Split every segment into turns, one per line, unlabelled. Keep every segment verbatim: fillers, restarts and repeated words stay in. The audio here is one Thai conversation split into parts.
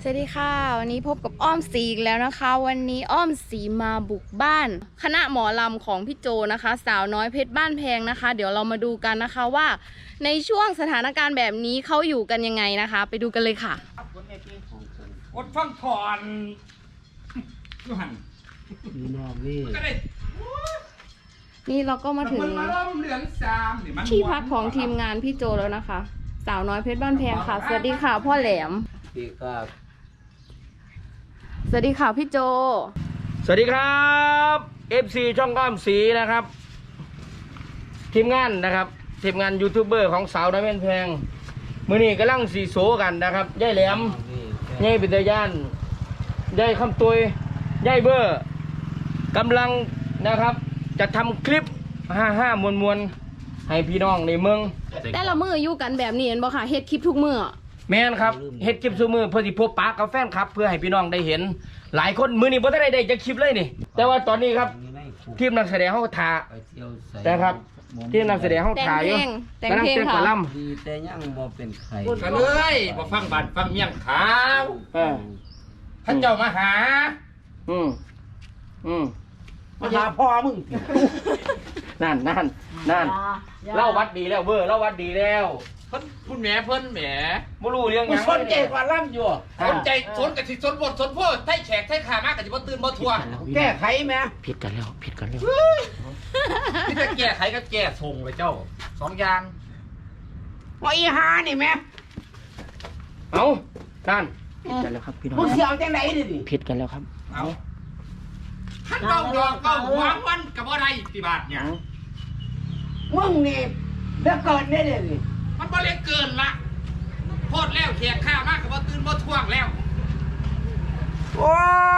สวัสดีค่ะวันนี้พบกับอ้อมสีอีกแล้วนะคะวันนี้อ้อมสีมาบุกบ้านคณะหมอลำของพี่โจนะคะสาวน้อยเพชรบ้านแพงนะคะเดี๋ยวเรามาดูกันนะคะว่าในช่วงสถานการณ์แบบนี้เขาอยู่กันยังไงนะคะไปดูกันเลยค่ะ
อดฟังถอนยูหัน
นี่น้องนี่
นี่เราก็มาถึงที่พักของทีมงานพี่โจแล้วนะคะสาวน้อยเพชรบ้านแพงค่ะสวัสดีค่ะพ่อแหลม
สวัสดีครับ
สวัสดีค่ะพี่โจ
สวัสดีครับ เอฟ ซี ช่องอ้อมสีนะครับทีมงานนะครับทีมงานยูทูบเบอร์ของสาวน้อยเพชรแพงมื้อนี้กำลังสีโซกันนะครับย่ายแหลมย่ายปิตยานย่ายคำตุยย่ายเบอร์กำลังนะครับจะทำคลิปห้าห้ามวลมวลให้พี่น้องในเมือง
แต่ละมืออยู่กันแบบนี้เห็นบ่ค่ะเฮ็ดคลิปทุกมือ
แม่นครับเฮ็ดคลิปซุมือเพื่อที่พบปะกับแฟนครับเพื่อให้พี่น้องได้เห็นหลายคนมือนี้บ่ได้ได้จะคลิปเลยนี่แต่ว่าตอนนี้ครับทีมนักแสดงเฮาถ่านะครับทีมนักแสดงเฮาถ่าอยู่
แต่งเพลงค่ะ
ดีแต่ยังบ่เป็นไข่
กันเลยบ่ฟังบัดฟังเมี่ยงขาวเออท่านเจ้ามาหาอืมอืม
มาหาพ่อมึง
นั่นนั่นนั่นเล่าวัดดีแล้วเบอร์เล่าวัดดีแล้ว
เพิ่นพุ่นแหมเพิ่นแหม
บ่รู้เรื่องหยัง
สนใจกว่าล่ำอยู่
สนใจสนกับสิสนบทสนพ่อไทแขกไทขามากกับสิบ่ตื่นบ่ทัว
แก้ไขแม่
ผิดกันแล้วผิดกันแล้ว
ที่จะแก้ไขก็แก้ส่งเลยเจ้าสองอย่าง
ว่าอีหานี่แม่
เอ้านั่นผิดกันแล้วครับพี่น้อง
มึงสิเอาจังได๋ดิ
ผิดกันแล้วครับ
เอ้าท่านเก้าดอกเก้าหัววันกับบ่ได้ติบาทเนี่ย
มึงนี่เด้อเกิดได้เลยนี่
มันบ่เล็กเกินละโพดแล้วแขกข้ามากกับบ่ตื่นบ่ท่วงแล้ว
โอ้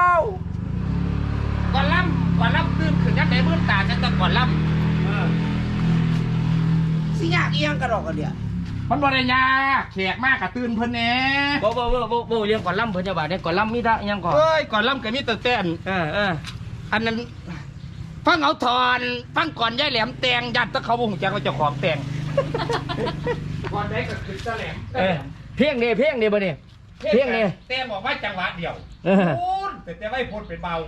ก่อนล่ำก่อนล่ำตื่นขึ้นยันไหนมื้อตาจังแต่ก่อนล่ำเออ
สิยากอีหยังกระดอกกระเดีย
มันบ่ได้ยากแขกมากกับตื่นเพิ่นแหน่
บ่บ่บ่บ่บ่เรื่องก่อนล่ำเพิ่นจะบาดเนี่ยก่อนล่ำมีท่ายังก่อน
เอ้ยก่อนล่ำก็มีแต่แต่น
เออเออ
อันนั้นฟังเอาถอนฟังก่อนย่ายแหลมแตงยัดตะเขาบ่ฮู้จักว่าเจ้าของแตงก่อนได้ก็คือตะแหลม
เออเพียงนี่เพียงนี่บ่นี่เพียงนี่
แต้บอกว่าจังหวะเดียวพูดแต่แต่ไม่พ้นเป็นเบา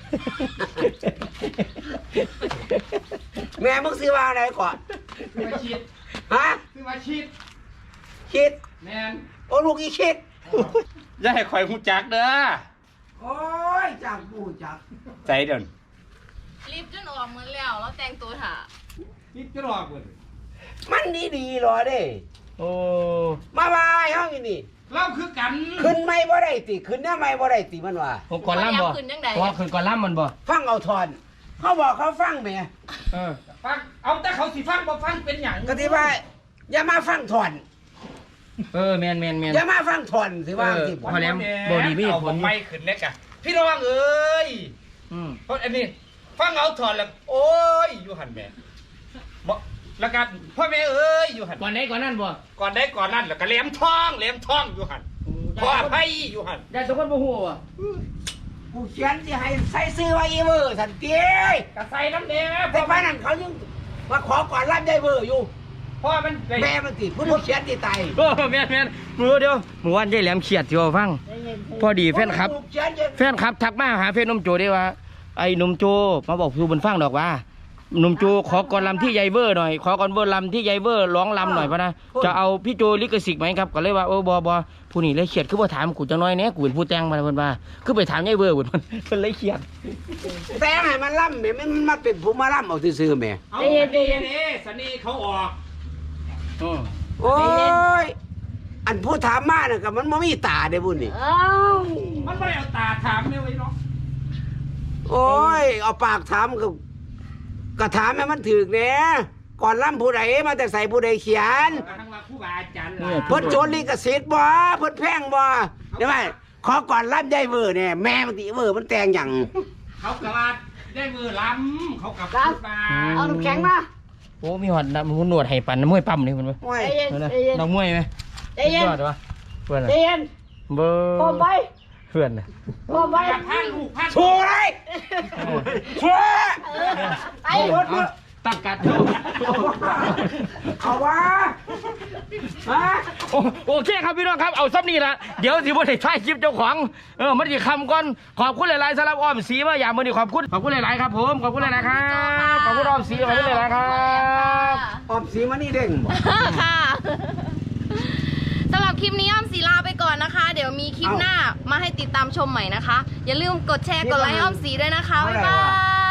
แม่มึงซื้อมาอะไรก่อน
ซื้อมาชิด
ฮะ
ซื้อมาชิด
ชิด
แมน
โอ้ลูกอีชิด
อย่าให้ข่อยฮู้จักเด้อ
โอ้ยจังกูจัก
ใจเดิน
รีบจนออกเหมือนแล้วแล้วแต่งตัวถ่า
รีบจนออกเบิด
มันดีดีหรอเด้
โอ้
มาบายห้องนี่
เล่าคือกัน
ขึ้นไม่บ่ได้ติขึ้นได้ไม่บ่ได้ติมันว่า
ผมก่อนล่ำบ่ว่าขึ้นก่อนล่ำมันบ่
ฟังเอาทอนเขาบอกเขาฟังแม่
เออฟังเอาแต่เขาสิฟังบ่ฟังเป็นหยัง
ก็ที่ว่าอย่ามาฟังทอน
เออแมนแมนแมน
อย่ามาฟังทอนสิว่าสิ
พอแล้วบ่ดีมีผล
ไม่ขึ้นเล็กอะพี่น้องเอ้ยอืมเพราะอันนี้ฟังเอาถอนแล้วโอ้ยอยู่หันแม่บ่แล้วกันพ่อแม่เอ้ยอยู่หัน
ก่อนไหนก่อนนั่นบ่
ก่อนได้ก่อนนั่นแล้วก็แหลมทองแหลมทองอยู่หันพ่อไผอยู่หัน
ได้ทุกคนบ่ฮู้ว่ะ
กูเขียนสิให้ใส่ซื้อไว้อีเวอร์สันติ
ก็ใส่น้ำแดง
แต่ป้านั่นเขายังมาขอก่อนรับได้เวอร์อยู่
พ่อมัน
แม่มันติผู้เขียนติตาย
โอ้แม่นแม่นมื้อเดียวมื้อวานยายแหลมเขียดสิว่าฟังพอดีแฟนคลับแฟนคลับทักมาหาเฟซนมโจได้ว่าไอ้หนุ่มโจมาบอกสู่บนฟังดอกว่าหนุ่มโจขอก่อนลำที่ยายเวอร์หน่อยขอก่อนเวอร์ลำที่ยายเวอร์ร้องลำหน่อยพะนะจะเอาพี่โจลิขสิทธิ์ไหมครับก็เลยว่าโอ้บอบอผู้นี้เลยเขียดคือว่าถามกูจังน้อยเนี้ยกูเป็นผู้แต่งมาเพิ่นว่าคือไปถามยายเวอร์เพิ่นเพิ่นเลยเขียด
แต่งให้มันล่ำแม่มันมาเป็นผู้มาล่ำเอาซื่อๆแม่
เอาเด้เด้สนีเขาออก
โอ้ยอันผู้ถามมาเนี่ยกับมันไม่มีตาเด้บุญนี่
มันไม่เอาตาถามเนี่ยไว้เนาะ
โอ้ยเอาปากถามกับกระถามให้มันถึกเนี่ยก่อนล่ำผู้ใดมาแต่ใส่ผู้ใดเขียนเพิ่นโจรลิขสิทธิ์บ่เพิ่นแพงบ่ใช่ไหมขอก่อนล่ำได้เวอร์เนี่ยแม่มันติเวอร์มันแต่งอย่าง
เขากระบาดได้เวอร์ล้ำเขากับพูดมา
เอาน้ำแข็งมา
โอ้มีหอดน้ำหนวดให้ปั่นน้ำมวยปั๊มนี่มันไหมน้ำมวยไหม
ใจเย็น
เพื่อน
ใจเย็น
เบอร์
พร้อมไป
เพื่อนนะ
พร้อมไป
พันลูกพัน
ชัวร์เลยชัวร์
ไอ้
รถ
ตั้งกัด
เอาวะฮะ
โอโอเคครับพี่น้องครับเอาซับนี่ละเดี๋ยวสิบ่ได้ถ่ายคลิปเจ้าของเออมันสิคำก่อนขอบคุณหลายๆสำหรับอ้อมสีมาอย่างมื้อนี้ขอบคุณขอบคุณหลายๆครับผมขอบคุณหลายๆครับขอบคุณอ้อมสีขอบคุณหลายๆครับ
ออมสีมานี่เด้งบ่
ค่ะสำหรับคลิปนี้อ้อมสีลาไปก่อนนะคะ เดี๋ยวมีคลิปหน้ามาให้ติดตามชมใหม่นะคะ อย่าลืมกดแชร์กดไลค์อ้อมสีด้วยนะคะบ๊ายบาย